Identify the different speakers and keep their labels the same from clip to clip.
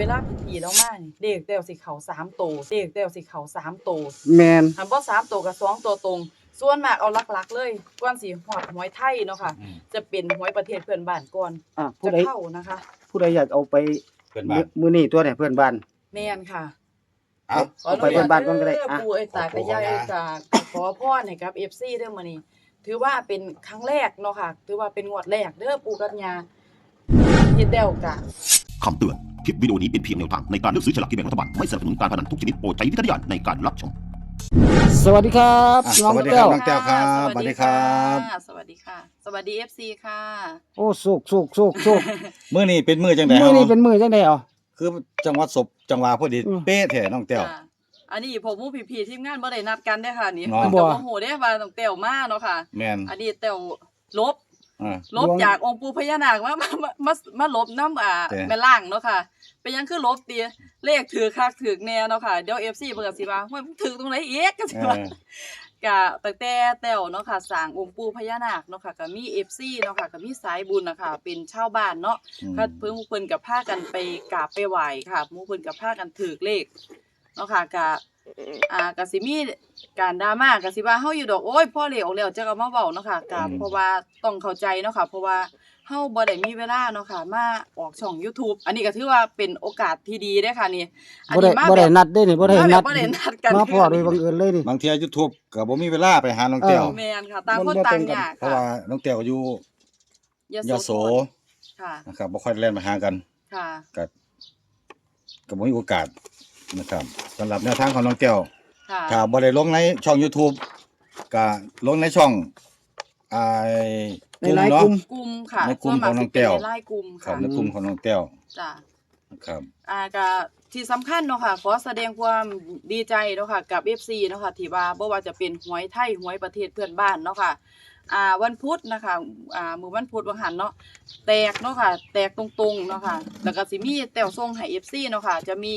Speaker 1: วลาพี่ๆแล้วมานี่เลขแต้วสิเข้า3โตเลขแต้วสิเข้า3โต
Speaker 2: แม่น
Speaker 1: คันบ่3โตก็2ตัวตรงส่วนมากเอาหลักๆเลยก่อนสิฮอดหวยไทยเนาะค่ะจะเป็นหวยประเทศเพื่อนบ้านก่อน
Speaker 2: ผู้ใด
Speaker 1: เข้านะคะ
Speaker 2: ผู้ใดอยากเอาไป
Speaker 3: เพื่อนบ้าน
Speaker 2: มื้อนี้ตัวเนี่ยเพื่อนบ้าน
Speaker 1: แม่นค่ะ
Speaker 2: เอาไปเพื่อนบ้านก่อนก็ได้
Speaker 1: ปู่เอ้ยตากะยายเอ้ยตาขอพรให้กับ FC เด้อมื้อนี้ถือว่าเป็นครั้งแรกเนาะค่ะถือว่าเป็นงวดแรกเด้อปู่กับย่าเฮ็ดแล้วก็
Speaker 4: คำเตือน คลิปวิดีโอนี้เป็นเพียงแนวทางในการเลือกซื้อฉลากกินแบ่งรัฐบาล ไม่สนับสนุนการพนันทุกชนิดโปรดใช้วิจารณญาณในการรับชม
Speaker 2: สวัสดีครับน้อง
Speaker 3: สวัสดีค
Speaker 2: แก้
Speaker 3: รับ
Speaker 2: ว
Speaker 3: น้องแก้วครับสวัสดีครับ
Speaker 1: สวัสดีค่ะ สวัสดี FC ค่ะ
Speaker 2: โอ้สุก
Speaker 3: มื้อนี้เป็นมื้อจังได๋
Speaker 2: มื้อนี้เป็นมื้อจังได๋อ๋อ
Speaker 3: คือจังหวัดศพจังหวะพอดีเป๊ะแท้น้องแต้ว
Speaker 1: ค่ะอันนี้ผมผู้พี่ๆทีมงานบ่ได้นัดกันเด้อค่ะนี่
Speaker 3: เนาะ
Speaker 1: เพิ่นก็บ่ฮู้เด้ว่าต้องแต้วมาเนาะค่ะ
Speaker 3: แม่น
Speaker 1: อันนี้แต้วลบ
Speaker 3: อ่า
Speaker 1: ลบจากองค์ปู่พญานาคมาลบน้ำ
Speaker 3: แต่
Speaker 1: แม่ล่างเนาะค่ะเป็นหยังคือลบติเลขถือคักถือแน่เนาะค่ะเดี๋ยว FC เพิ่นก็สิว่าว่าถือตรงไหนอีกก็สิว่าก็ตั้งแต่แต้วเนาะค่ะสร้างองค์ปู่พญานาคเนาะค่ะก็มี FC เนาะค่ะก็มีสายบุญน่ะค่ะเป็นชาวบ้านเนาะก็เพิ่นก็พากันไปกราบไปไหว้ค่ะหมู่เพิ่นก็พากันถือเลขเนาะค่ะก็สิมีการดราม่าก็สิว่าเฮาอยู่ดอกโอ๊ยพอเลขออกแล้วจะเอามาเว้าเนาะค่ะก็เพราะว่าต้องเข้าใจเนาะค่ะเพราะว่าเฮาบ่ได้มีเวลาเนาะค่ะมาออกช่อง YouTube อันนี้ก็ถือว่าเป็นโอกาสที่ดีเด้อค่ะนี่อันนี้มา
Speaker 2: บ่
Speaker 1: แบ
Speaker 2: ได้
Speaker 1: บ
Speaker 2: นัดเด้นี่บ่ได้นัด
Speaker 1: บ่ได้นัดกัน
Speaker 2: มาพอโดยบังเอิญเลยนี่
Speaker 3: บางเที่ย YouTube ก็บ่มีเวลาไปหาน้องแต้ว
Speaker 1: แม่นค่ะต่างคนต่างยาก
Speaker 3: เพราะว่าน้องแต้วก็อยู่ยโส
Speaker 1: ค่ะ
Speaker 3: นะครับบ่ค่อยได้แล่นมาหากัน
Speaker 1: ค่ะ
Speaker 3: ก็บ่มีโอกาสนะครับสำหรับแนวทางของน้องแต้ว
Speaker 1: ค่ะ
Speaker 3: ถ้าบ่ได้ลงในช่อง YouTube ก็ลงในช่องอ่า
Speaker 2: ในไลน์กลุ่ม
Speaker 1: กลุ่มค่ะ
Speaker 3: ในกลุ่มของน้องแก้ว
Speaker 1: ส่วนมากสิเป็นในไลน์กลุ่ม
Speaker 3: ครั
Speaker 1: ค่ะ
Speaker 3: บในกลุ่มของน้องแต้ว
Speaker 1: จ้ะ
Speaker 3: นะครับ
Speaker 1: ก็ที่สำคัญเนาะค่ะขอแสดงความดีใจเนาะค่ะกับ FC เนาะค่ะที่ว่าบ่ว่าจะเป็นหวยไทยหวยประเทศเพื่อนบ้านเนาะค่ะวันพุธนะคะมื้อวันพุธวันหันเนาะแตกเนาะค่ะแตกตรงๆเนาะค่ะแล้วก็สิมีแต้วส่งให้ FC เนาะค่ะจะมี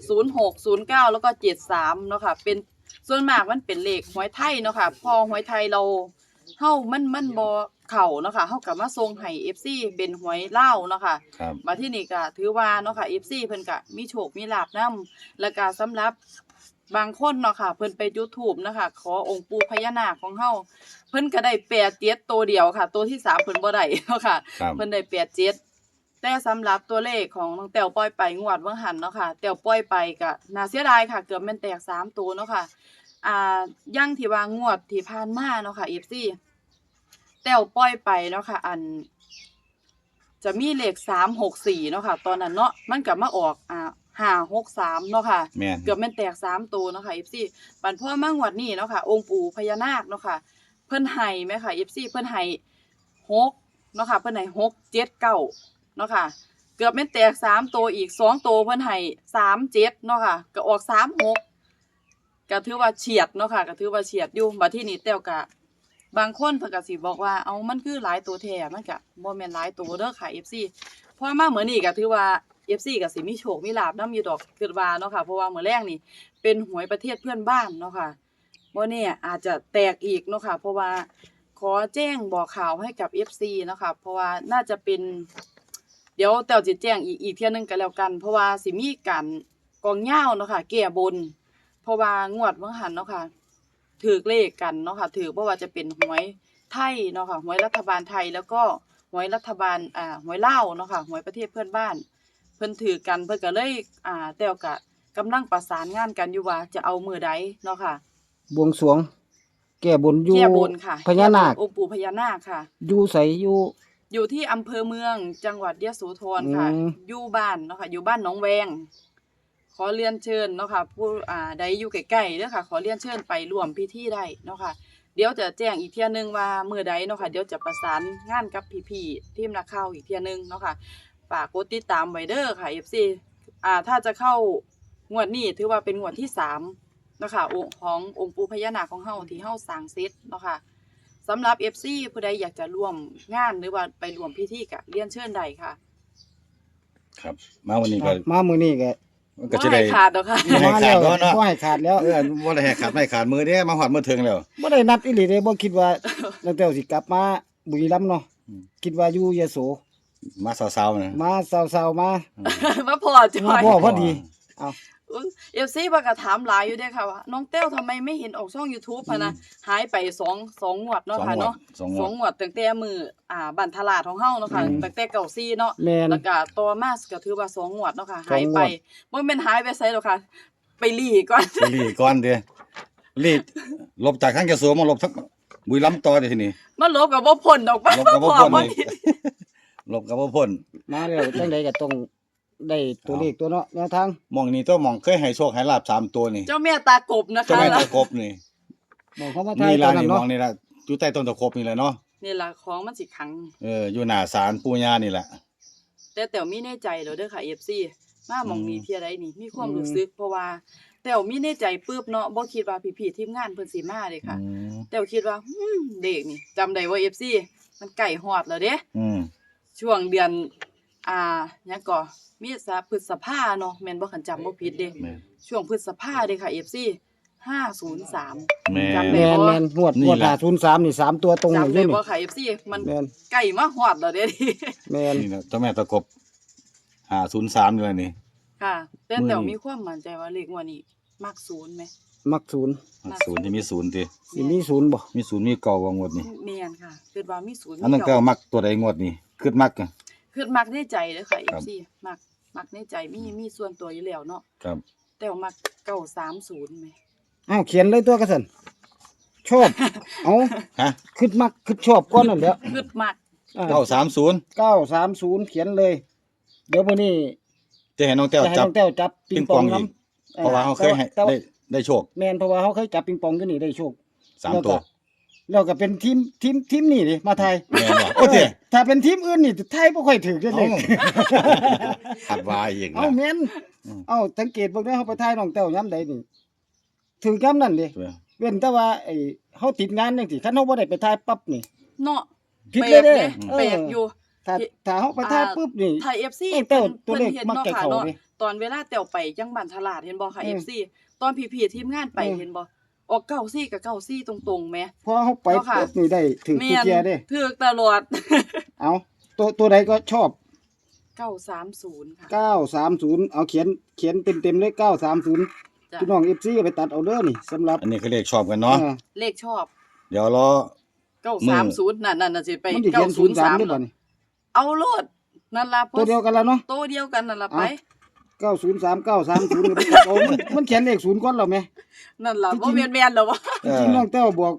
Speaker 1: 06 09แล้วก็73เนาะค่ะเป็นส่วนมากมันเป็นเลขหวยไทยเนาะค่ะพอหวยไทยเราเฮามันบ่เข้าเนาะค่ะเฮาก็มาส่งให้ FC เป็นหวยลาวเนาะค่ะ
Speaker 3: ครับ
Speaker 1: มาที่นี่ก็ถือว่าเนาะค่ะ FC เพิ่นก็มีโชคมีลาภนำแล้วก็สำหรับบางคนเนาะค่ะเพิ่นไปจุดธูปนะคะขอองค์ปู่พญานาคของเฮาเพิ่นก็ได้87ตัวเดียวค่ะ ตัวที่3เพิ่นบ่ได้เนาะค่ะ
Speaker 3: ครับ
Speaker 1: เพิ่นได้87แต่สำหรับตัวเลขของน้องแต้วปล่อยไปงวดเบิ่งหันเนาะค่ะแต้วปล่อยไปก็น่าเสียดายค่ะเกือบแม่นแตก3ตัวเนาะค่ะอย่างที่ว่างวดที่ผ่านมาเนาะค่ะ FC แต้วปล่อยไปเนาะค่ะจะมีเลข364เนาะค่ะตอนนั้นเนาะมันก็มาออก563เนาะค่ะ
Speaker 3: แม่น
Speaker 1: เกือบแม่นแตก3ตัวเนาะค่ะ FC บัดพอมางวดนี้เนาะค่ะองค์ปู่พญานาคเนาะค่ะเพิ่นให้แม่ค่ะ FC เพิ่นให้6เนาะค่ะเพิ่นให้6 7 9เนาะค่ะเกือบแม่นแตก3ตัวอีก2ตัวเพิ่นให้3 7เนาะค่ะก็ออก3 6ก็ถือว่าเฉียดเนาะค่ะก็ถือว่าเฉียดอยู่บัดที่นี้แต้วก็บางคนเพิ่นก็สิบอกว่าเอามันคือหลายตัวแท้มันก็บ่แม่นหลายตัวเด้อค่ะ FC พอมามื้อนี้ก็ถือว่า FC ก็สิมีโชคมีลาภนำอยู่ดอกคิดว่าเนาะค่ะเพราะว่ามื้อแรกนี่เป็นหวยประเทศเพื่อนบ้านเนาะค่ะบ่แน่อาจจะแตกอีกเนาะค่ะเพราะว่าขอแจ้งบอกข่าวให้กับ FC เนาะค่ะเพราะว่าน่าจะเป็นเดี๋ยวแต้วสิแจ้งอีกเที่ยนึงก็แล้วกัน เพราะว่าสิมีการกองยาวเนาะค่ะแก้บนเพราะว่างวดเบิ่งหันเนาะค่ะถูกเลขกันเนาะค่ะถูกบ่ว่าจะเป็นหวยไทยเนาะค่ะหวยรัฐบาลไทยแล้วก็หวยรัฐบาลหวยลาวเนาะค่ะหวยประเทศเพื่อนบ้านเพิ่นถือกันเพิ่นก็เลยแต้วก็กำลังประสานงานกันอยู่ว่าจะเอามื้อใดเนาะค่ะ
Speaker 2: บวงสรวง แก้บนอยู่
Speaker 1: แก้บนค่ะ
Speaker 2: พญานาค
Speaker 1: องค์ปู่พญานาคค่ะ
Speaker 2: อยู่ไสอยู่
Speaker 1: อยู่ที่อำเภอเมืองจังหวัดยโสธรค่ะ อยู่บ้านเนาะค่ะอยู่บ้านหนองแวงขอเรียนเชิญเนาะค่ะผู้ใดอยู่ใกล้ๆเด้อค่ะขอเรียนเชิญไปร่วมพิธีได้เนาะค่ะเดี๋ยวจะแจ้งอีกเที่ยนึงว่ามื้อใดเนาะค่ะเดี๋ยวจะประสานงานกับพี่ๆทีมนักข่าวอีกเที่ยนึงเนาะค่ะฝากกดติดตามไว้เด้อค่ะ FC ถ้าจะเข้างวดนี้ถือว่าเป็นงวดที่3เนาะค่ะขององค์ปู่พญานาคของเฮาที่เฮาสร้างเสร็จเนาะค่ะสำหรับ FC ผู้ใดอยากจะร่วมงานหรือว่าไปร่วมพิธีก็เรียนเชิญได้ค่ะ
Speaker 3: ครับมาวันนี้ก็
Speaker 2: มามื้อนี้ก็
Speaker 3: มันก็จะได้
Speaker 1: บ่ให้ขาดดอกค่ะ
Speaker 3: บ่ให้ขาดเนาะ
Speaker 2: บ่ให้ขาดแล้ว
Speaker 3: บ่ได้ให้ขาดไม่ขาดมือเด้มาฮอดมือถึงแล้ว
Speaker 2: บ่ได้นัดอีหลีเด้บ่คิดว่าน้องแต้วสิกลับมาบุรีรัมย์เนาะ
Speaker 3: อืม
Speaker 2: คิดว่าอยู่ยโส
Speaker 3: มาสาวๆนะ
Speaker 2: มาสาวๆมา
Speaker 1: มาพอจ
Speaker 2: มา
Speaker 1: อย
Speaker 2: พ่อพอดี
Speaker 1: FC เพิ่นก็ถามหลายอยู่เด้ค่ะว่าน้องแต้วทำไมไม่เห็นออกช่อง YouTube อะนะหายไป2งวดเนาะค่ะเนาะ
Speaker 3: สองง
Speaker 1: ส
Speaker 3: ว
Speaker 1: อ
Speaker 3: ด
Speaker 1: งงวดตั้งแต่มือบันทลาดของเฮาเนาะค่ะตั้งแต่เก่าซีเนาะ
Speaker 2: แม่น
Speaker 1: แล้วก็ต่อมาก็ถือว่า2งวดเนาะค่ะ
Speaker 2: สอง
Speaker 1: หาย
Speaker 2: งวด
Speaker 1: ไปบ่แม่นหายไปไสหรอกค่ะ ไปหลีก่อน
Speaker 3: ไปรีก่อนเด้รีลบจากทางกระทรวงมาลบทั้งบุรีรัมย์ต่อเด้ทีนี้
Speaker 1: มาลบก็บ่พ้นดอก
Speaker 3: ลบกับบ่พ้น
Speaker 1: บ่
Speaker 3: อีกลบกับบ่พ้น
Speaker 2: มาแล้วจังไดก็ต้องได้ตัวเลขตัวเนาะแนวทาง
Speaker 3: หม่องนี้ตัวหม่องเคยให้โชคให้ลาบ3ตัวนี่
Speaker 1: เจ้าแม่ตากบนะ
Speaker 3: เจ้า
Speaker 1: คะ
Speaker 3: แม่ตะกบนี่
Speaker 2: บอกเขามาทาย
Speaker 3: นี่
Speaker 2: ต
Speaker 3: ล่ะ
Speaker 2: อนนั้
Speaker 3: นี่
Speaker 2: น
Speaker 3: หม่
Speaker 2: เนาะ
Speaker 3: องนี่ล่ะอยู่ใต้ต้นตะกบนี่แหละเนาะ
Speaker 1: นี่ล่ะของมันสิขัง
Speaker 3: อยู่หน้าศาลปู่ย่านี่แหละ
Speaker 1: แต่แต้วมีในใจแล้วเด้อค่ะ FC มาหม่องนี้เที่ยใดนี่มีความรู้สึกเพราะว่าแต้วมีในใจปึ๊บเนาะบ่คิดว่าพี่ๆทีมงานเพิ่นสิมาเด้ค่ะ แต่คิดว่าเด็กนี่จำได้ว่า FC มันใกล้ฮอดแล้วเด้
Speaker 3: อืม
Speaker 1: ช่วงเดือนหยังก็มีพฤษภาเนาะแม่นบ่คันจำบ่ผิดเด้
Speaker 3: แม่น
Speaker 1: ช่วงพฤษภาเด้ค่ะ FC 503
Speaker 3: แม่
Speaker 1: จำ
Speaker 2: แม
Speaker 1: ได้
Speaker 2: น
Speaker 1: บ่
Speaker 2: แมนงวด
Speaker 3: นี่
Speaker 2: งวด
Speaker 3: แหละ
Speaker 2: 503นี่3ตัวตรงเลย
Speaker 1: จำ
Speaker 2: อยู่
Speaker 1: ได้
Speaker 2: นี่
Speaker 1: บ่ค่ะ FC มัน
Speaker 2: แมน
Speaker 1: ใกล้มาฮอดแล้วเด้
Speaker 2: แมน
Speaker 3: นี่แหละเจ้าแม่ตะกบ503นี่แหละนี่
Speaker 1: ค่ะแต่
Speaker 3: มื้อนี้
Speaker 1: แต่มีความมั่นใจว่าเลขงวดนี้มักศูนย์ไหม
Speaker 2: มักศูนย์
Speaker 3: ศูนย์ที่มีศูนย์ติ
Speaker 2: สิมีศูนย์บ่
Speaker 3: มีศูนย์มีเก่าว่างวดนี้
Speaker 1: แม่นค่ะคิดว่ามีศูนย์
Speaker 3: อันนั้นก็มักตัวใดงวดนี้คิดมักอะ
Speaker 1: คือมักในใจเด้อค่ะ
Speaker 3: ครับ
Speaker 1: FC มักในใจมีส่วนตัวอยู่แล้วเนาะ
Speaker 3: ครับ
Speaker 1: แต่ว่ามัก930แหม
Speaker 2: อ้าวเขียนเลยตัวกระสันชอบ เอา
Speaker 3: ฮะ
Speaker 2: คิดมักคิดชอบก่อนนั่นแหละ
Speaker 1: คือมัก
Speaker 3: 930
Speaker 2: 930เขียนเลย เดี๋ยวมื้อนี้
Speaker 3: จะให้น้องแต้ว
Speaker 2: จะให้
Speaker 3: จับ
Speaker 2: น้องแต้วจับปิงปอง
Speaker 3: ปิงปองอีก
Speaker 2: นำ
Speaker 3: เพราะว่าเขาเคยให้
Speaker 2: แต่ว่า
Speaker 3: ได้โชค
Speaker 2: แม่นเพราะว่าเขาเคยจับปิงปองอยู่นี่ได้โชค
Speaker 3: 3ตัว
Speaker 2: แล้วก็เป็นทีมนี่ดิมาไทย
Speaker 3: แม่นบ่โอ้ติ
Speaker 2: ถ้าเป็นทีมอื่นนี่ไทยบ่ค่อยถือเด้อ
Speaker 3: เอ้า
Speaker 2: เลย
Speaker 3: ขัดวายอีก
Speaker 2: เอ้า
Speaker 3: นะ
Speaker 2: แม่น
Speaker 3: อืม
Speaker 2: เอ้าสังเกตเบิ่งเด้อเฮาไปถ่ายน้องแต้วยามใดนี่ถึงยามนั้นดิเว้นแต่ว่าไอ้เฮาติดงานจังซี่คันเฮาบ่ได้ไปถ่ายปั๊บนี่
Speaker 1: เนาะ
Speaker 2: ผิดเลยเด้
Speaker 1: แปลกอยู่
Speaker 2: ถ้าเฮาไปถ่ายปุ๊บนี่
Speaker 1: ไทย FC
Speaker 2: เอ้ยแต่
Speaker 1: เพิ่น
Speaker 2: ตัวเลข
Speaker 1: เห็น
Speaker 2: มัก
Speaker 1: เนาะ
Speaker 2: จะ
Speaker 1: ค่ะ
Speaker 2: เข้า
Speaker 1: เนาะ
Speaker 2: เด้
Speaker 1: ตอนเวลาแต้วไปจังบ้านทลาดเห็นบ่ค่ะ FC ตอนพี่ๆทีมงานไปเห็นบ่ออก94กับ94ตรงๆแหม
Speaker 2: พอเฮาไป
Speaker 1: เนาะค่ะ
Speaker 2: ปุ๊บนี่ได้ถึง
Speaker 1: แม่
Speaker 2: ทุก
Speaker 1: น
Speaker 2: เที่ยเด้
Speaker 1: ถูกตลอด
Speaker 2: เอาตัวใดก็ชอบ
Speaker 1: 930ค่ะ
Speaker 2: 930เอาเขียนเต็มๆเลย930
Speaker 1: จ้ะ
Speaker 2: พี่น้อง FC ก็ไปตัดเอาเด้อนี่สำหรับ
Speaker 3: อันนี้คือเลขชอบกันเนาะ
Speaker 1: เลขชอบ
Speaker 3: เดี๋ยวรอ
Speaker 1: 930นั่นน่ะสิไป
Speaker 2: มันสิเขียน03ได้บ่นี่
Speaker 1: เอาโลดนั่นล่ะ
Speaker 2: ตัวเดียวกันแล้วเนาะ
Speaker 1: ตัวเดียวกันนั่นล่ะไป
Speaker 2: 903 930ก็ไปตัดเอามันเขียนเลข0ก่อนแล้วแม่
Speaker 1: นั่นล่ะ
Speaker 2: จริ
Speaker 1: บ่
Speaker 2: งๆ
Speaker 1: แม่นๆแล้ววะ
Speaker 3: เอ
Speaker 2: จริ
Speaker 3: อง
Speaker 2: ๆน้องแต้วบอก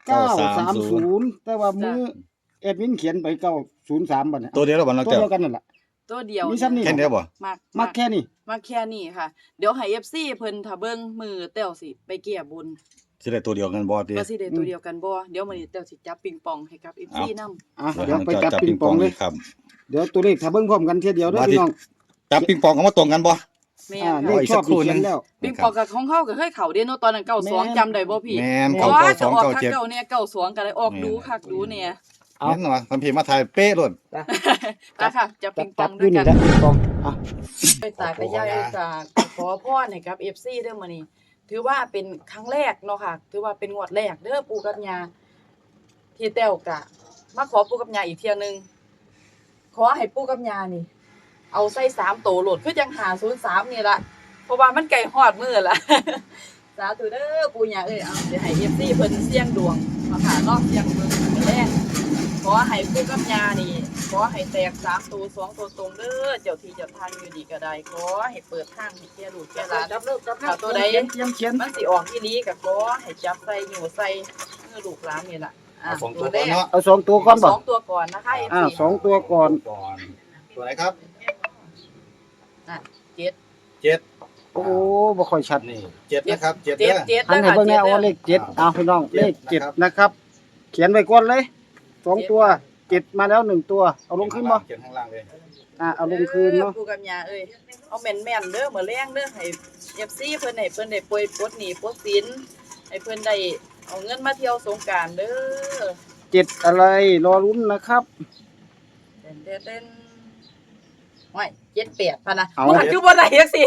Speaker 2: 930
Speaker 3: 930
Speaker 2: แต่ว่ามือแอดมินเขียนไป903บัดเนี่ย
Speaker 3: ตัวเดียวแล้วบ่น้อง
Speaker 2: ตัว
Speaker 3: แต้ว
Speaker 2: เดียวกันนั่นล่ะ
Speaker 1: ตัวเดียว
Speaker 2: มีซ้ำนี่
Speaker 3: แค่เดียวบ่
Speaker 1: มัก
Speaker 2: มักแค่นี้
Speaker 1: มักแค่นี้ค่ะ เดี๋ยวให้ FC เพิ่นถ้าเบิ่งมือแต้วสิไปแก้บุญ
Speaker 3: สิได้ตัวเดียวกันบ่ติ
Speaker 1: ว่าสิได้ตัวเดียวกันบ่เดี๋ยวมื้อนี้แต้วสิจับปิงปองให้กับ FC นำ
Speaker 2: อ่ะเดี๋ยวไปจับปิงปองเลย
Speaker 3: ครับ
Speaker 2: เดี๋ยวตัวเลขถ้าเบิ่งพร้อมกันเทียเดียวเด้อ
Speaker 3: ว่าที่
Speaker 2: พี่น้อง
Speaker 3: จับปิงปองเขามาตรงกันบ่
Speaker 1: แม่
Speaker 2: เล
Speaker 1: ค่ะ
Speaker 2: ขชอบนี่เขียนแล้ว
Speaker 1: ปิงปองกับของเฮาก็เคยเข้าเด้เนาะตอนนั้น
Speaker 2: แม่น
Speaker 1: 92จำได้บ่พี่
Speaker 3: แม่น
Speaker 2: แม่
Speaker 3: เก้า
Speaker 1: ว่า
Speaker 3: เก้าส
Speaker 1: จะ
Speaker 3: อง
Speaker 1: ออก
Speaker 3: เก้า
Speaker 1: คัก
Speaker 3: เจ็ด
Speaker 1: เก่าเนี่ย92ก็ได้ออกดูคักดูเนี่ย
Speaker 2: เอา
Speaker 3: แม่นว่ะคันพี่มาถ่ายเป๊ะโลด
Speaker 1: ไปค่ะจับปิงป
Speaker 2: จั
Speaker 1: อบ ง
Speaker 2: อ
Speaker 1: ด้ว
Speaker 2: ยู่
Speaker 1: ย
Speaker 2: นี่
Speaker 1: กัน
Speaker 2: แหละปิงปองอ่ะ
Speaker 1: ไปตายไปย่ายก็ขอพรให้กับ FC เด้อมื้อนี้ถือว่าเป็นครั้งแรกเนาะค่ะ ถือว่าเป็นงวดแรกเด้อปู่กับย่าที่แต้วก็มาขอปู่กับย่าอีกเที่ยนึงขอให้ปู่กับย่านี่ เอาใส่3โตโหลดคือจัง503นี่ล่ะเพราะว่ามันใกล้ฮอดมื้อละ สาธุเด้อปู่ย่าเอ้ยเอาสิให้ FC เพิ่นเสี่ยงดวงเนาะค่ะเนาะเสี่ยงเบิ่งมื้อแรกขอให้ปู่กับย่านี่ขอให้แตก3ตัว2ตัวตรงเด้อเจ้าที่เจ้าทางอยู่ดีก็ได้ขอให้เปิดทางให้แก่ลูกแก่หลาน ถ้าตัวใด
Speaker 2: เขียน
Speaker 1: มันสิออกอีหลีก็ขอให้จับใส่อยู่ใส่มือลูกหลานนี่ล่ะ
Speaker 3: เอาสองตัว
Speaker 1: แร
Speaker 3: ก่อน
Speaker 1: ก
Speaker 3: เนาะ
Speaker 2: เอาสองตัวก่อนบ่
Speaker 1: สองตัวก่อนนะคะ
Speaker 2: อ่า
Speaker 1: FC
Speaker 2: สองตัวก่อน
Speaker 3: ก่อน ตัวไหนครับ
Speaker 1: อ่ะเจ็ด
Speaker 2: โอ้บ่ค่อยชัด
Speaker 3: นี่7นะครับ7
Speaker 1: เจ็ด
Speaker 3: เด้อ
Speaker 1: เจ็ด
Speaker 2: หันให้
Speaker 1: นะคะ
Speaker 2: เบิ่งแน่
Speaker 1: เจ็ด
Speaker 2: เอาเลขเจ็ด
Speaker 3: อ่า
Speaker 2: เอาพี่น้อง
Speaker 3: เจ็ด
Speaker 2: เลขเจ็ด
Speaker 3: นะครับ
Speaker 2: นะครับ เขียนไว้ก่อนเลยสองตัวเจ็ดมาแล้วหนึ่งตัวเอาลงขึ้นบ่
Speaker 3: เขียนข้างล่างเลย
Speaker 2: เอาลงคืนเนาะ
Speaker 1: ปู่กับย่าเอ้ยเอาแม่นๆเด้อมื้อแรงเด้อให้ FC เพิ่นให้เพิ่นได้ป่วยปลดหนี้ปลดสินให้เพิ่นได้เอาเงินมาเที่ยวสงกรานต์เด้อ
Speaker 2: เจ็ดอะไรรอลุ้นนะครับ
Speaker 1: เต้นๆห้อย78พันนะ
Speaker 2: เอา
Speaker 1: บ่อยู่บ่ได้จังซี่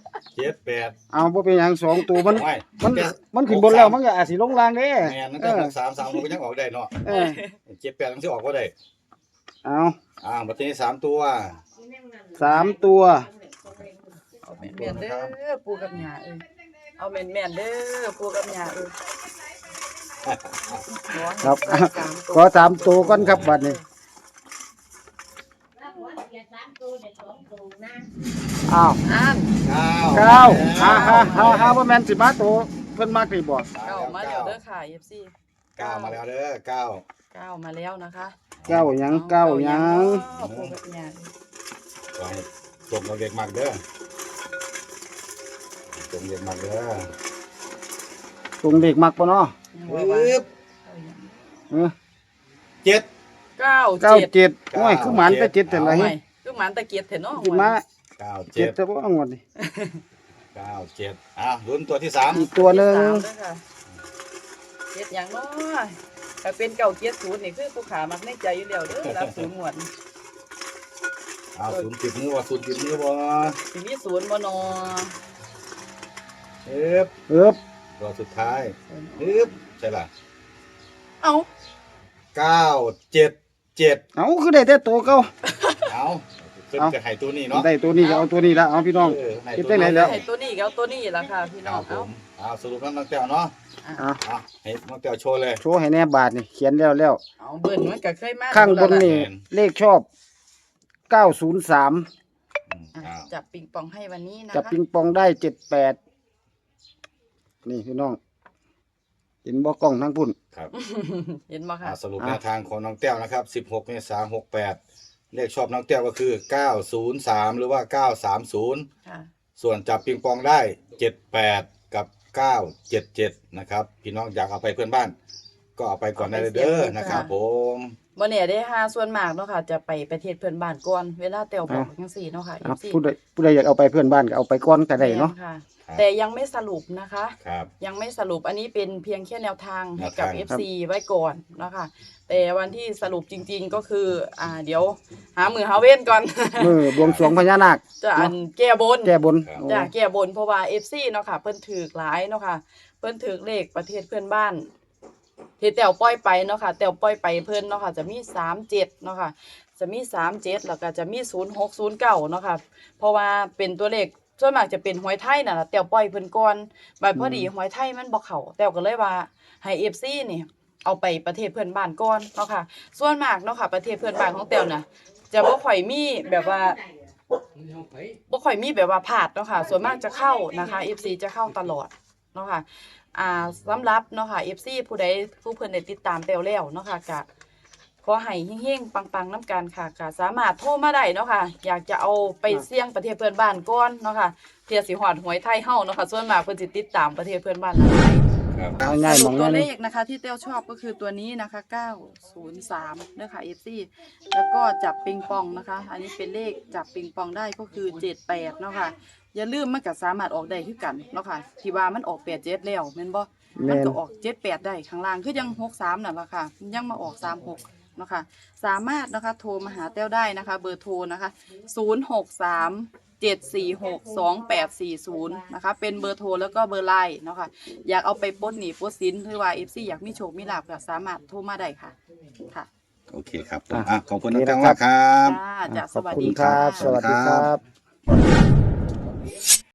Speaker 3: 7 8
Speaker 2: เอาบ่เป็นหยังสองตัวมัน
Speaker 3: โอ้ย
Speaker 2: มันมันขึ้นบนแล้วมันก็อาจสิลงล่างเด้
Speaker 3: แม่นนั่นก็6 3 3มันก็ยังออกได้เนาะ
Speaker 2: เออ
Speaker 3: 7 8มันสิออกบ่ได้
Speaker 2: เอา
Speaker 3: บัตรนี้3 ตัว
Speaker 2: 3 ตัว
Speaker 1: เอาแม่นๆเด้อปูกับหญ้าเอาแม่นๆเด้อปูกับหญ้า
Speaker 2: ครับ
Speaker 1: สามตัว
Speaker 2: ขอ3 ตัวก่อนครับบัดนี้อ้าว
Speaker 1: อ่าน
Speaker 2: 9ฮาบ่แม่นสิมาตัวเพิ่นมักนี่บ่
Speaker 1: เก้ามาแล้วเด้อค่ะ FC
Speaker 3: 9มาแล้วเด้อ9
Speaker 1: เก้ามาแล้วนะคะ
Speaker 2: 9หยัง9หยัง
Speaker 1: เอาปูกับหญ้า
Speaker 3: ไว้ตรงกับเด็กมากเด้อตรงเด็กมากเด้อ
Speaker 2: ตรงเด็กมักบ่เนาะ
Speaker 1: ยังว่าว่า
Speaker 3: ปึ๊บ
Speaker 2: เออ
Speaker 3: 7
Speaker 2: 97โอ้ยคือหมันไป7แต่ละ
Speaker 1: เอา
Speaker 2: เฮ็
Speaker 1: ใหม่
Speaker 2: ด
Speaker 1: คือหมันตะเกียบเถอะเนาะ
Speaker 2: สิมา
Speaker 3: 9
Speaker 2: 7แต่บ่เอางวดนี้
Speaker 3: 7ลุ้นตัวที่
Speaker 2: อีกตัวหนึง
Speaker 1: สามเด้อค่ะเจ็ดอย่างเนาะแต่เป็นเก่าเจ็ดศูนย์นี่คือผู้ขามักในใจอยู่แล้วเด้อรับศูนย์หมวด
Speaker 3: 30ติดมือบ่0ติดมือบ่
Speaker 1: สิมีศูนย์บ่นอ
Speaker 3: ปึ๊บ
Speaker 2: เอิบ
Speaker 3: ตัวสุดท้ายปึ๊บใช่ล่ะ
Speaker 1: เอ้า
Speaker 3: 977
Speaker 2: เอาคือได้แต่ตัวเก่า
Speaker 3: เอาเพิ่นจะให้ตัวนี้เนาะ
Speaker 2: ได้ตัวนี้ก็เอาตัวนี้ละเอาพี่น้อง
Speaker 3: ให้
Speaker 2: คิด
Speaker 3: ตัว
Speaker 2: ได้ไหน
Speaker 3: นี้
Speaker 2: แล้ว
Speaker 1: ให้ตัวนี้ก็เอาตัวนี้ล่ะค่ะพี่
Speaker 3: ค
Speaker 1: น้อ
Speaker 3: รั
Speaker 1: ง
Speaker 3: บผ
Speaker 1: เอ้าม
Speaker 3: สรุปแล้วน้องแต้วเนาะ
Speaker 2: อ่ะ
Speaker 3: ให้น้องแต้วโชว์เลย
Speaker 2: โชว์ให้แน่บาทนี่เขียนแล้ว
Speaker 1: เอาเบิ่นมันก็เคยมา
Speaker 2: ข้างบน
Speaker 1: แล้วล่ะ
Speaker 2: นี่เลขชอบ 903
Speaker 1: อ่ะจับปิงปองให้วันนี้นะ
Speaker 2: จับ
Speaker 1: คะ
Speaker 2: ปิงปองได้78นี่พี่น้องเห็นบ่กล้องทั้งพุ่น
Speaker 3: ครับ
Speaker 1: เห็นบ่ค่ะ
Speaker 3: สรุปแนวทางของน้องแต้วนะครับ16 เมษายน 68เลขชอบน้องแต้วก็คือ903หรือว่า930
Speaker 1: ค่ะ
Speaker 3: ส่วนจับปิงปองได้ 78 กับ 977นะครับพี่น้องอยากเอาไปเพื่อนบ้าน ก็เอาไปก่อนได้เลยเด้อนะครับผม
Speaker 1: บ่เนี่ยได้5ส่วนมากเนาะค่ะจะไปประเทศเพื่อนบ้านก่อนเวลาแต้วบอกจังซี่เนาะค่ะ
Speaker 2: อ่ะ
Speaker 1: FC
Speaker 2: ผู้ใดอยากเอาไปเพื่อนบ้านก็เอาไปก่อนก็ได้เนาะ
Speaker 1: แม่ค่ะ
Speaker 3: ครับ
Speaker 1: แต่ยังไม่สรุปนะคะ
Speaker 3: ครับ
Speaker 1: ยังไม่สรุปอันนี้เป็นเพียงแค่แนวทางให้กับ
Speaker 3: แนวทาง
Speaker 1: FC ไว้ก่อนนะคะแต่วันที่สรุปจริงๆก็คือเดี๋ยวหามือหาเว้นก่อน
Speaker 2: บวงสรวงพญานาค
Speaker 1: จะอันแก้บน
Speaker 2: แก้บน
Speaker 3: ครับ
Speaker 2: โอ้
Speaker 1: จะแก้บนเพราะว่า FC เนาะค่ะเพิ่นถือหลายเนาะค่ะเพิ่นถือเลขประเทศเพื่อนบ้านที่แต้วปล่อยไปเนาะค่ะแต้วปล่อยไปเพิ่นเนาะค่ะจะมี37เนาะค่ะจะมี37แล้วก็จะมี0609เนาะค่ะเพราะว่าเป็นตัวเลขส่วนมากจะเป็นหวยไทยน่ะล่ะแต้วปล่อยเพิ่นก่อนบัดพอดีหวยไทยมันบ่เข้าแต้วก็เลยว่าให้ FC นี่เอาไปประเทศเพื่อนบ้านก่อนเนาะค่ะส่วนมากเนาะค่ะประเทศเพื่อนบ้านของแต้วน่ะจะบ่ค่อยมีแบบว่าบ่ค่อยมีแบบว่าพลาดเนาะค่ะส่วนมากจะเข้านะคะ FC จะเข้าตลอดเนาะค่ะสำหรับเนาะค่ะ FC ผู้ใดผู้เพิ่นได้ติดตามแต้วแล้วเนาะค่ะก็ขอให้เฮงๆปังๆนํกันค่ะก็สามารถโทรมาได้เนาะค่ะอยากจะเอาไปเสี่ยงประเทศเพื่อนบ้านก่อนเนาะค่ะเพื่อสิฮอดหวยไทยเฮาเนาะค่ะส่วนมากเพิ่นสิติดตามประเทศเพื่อนบ้านหลาย
Speaker 3: ครับ
Speaker 2: เอาง่าย
Speaker 1: ส
Speaker 2: ม
Speaker 1: รุ
Speaker 2: อ
Speaker 1: ป
Speaker 2: ง
Speaker 1: ตัว
Speaker 2: นั่น
Speaker 1: เล
Speaker 2: นี่
Speaker 1: ขนะคะที่เต้วชอบก็คือตัวนี้นะคะ903นะคะ FC แล้วก็จับปิงปองนะคะ อันนี้เป็นเลขจับปิงปองได้ก็คือ78เนาะค่ะอย่าลืมมันก็สามารถออกได้คือกันเนาะค่ะที่ว่ามันออก87แล้วแม่นบ่มันก็ออก78ได้ข้างล่างคือยัง63นั่นล่ะค่ะยังมาออก36เนาะค่ะสามารถนะคะโทรมาหาแต้วได้นะคะเบอร์โทรนะคะ063-746-2840นะคะเป็นเบอร์โทรแล้วก็เบอร์ไลน์เนาะค่ะอยากเอาไปปลดหนี้ปลดสินหรือว่า FC อยากมีโชคมีลาภก็สามารถโทรมาได้ค่ะค่ะ
Speaker 3: โอเคครับผมขอบคุณน้องแต้วมากครับ
Speaker 1: จ้าจ้า
Speaker 2: ข
Speaker 1: ส
Speaker 2: อบ
Speaker 1: วัส
Speaker 2: คุ
Speaker 1: ดี
Speaker 2: ณค
Speaker 1: ค่ะ
Speaker 2: รับ สวัสดีครับ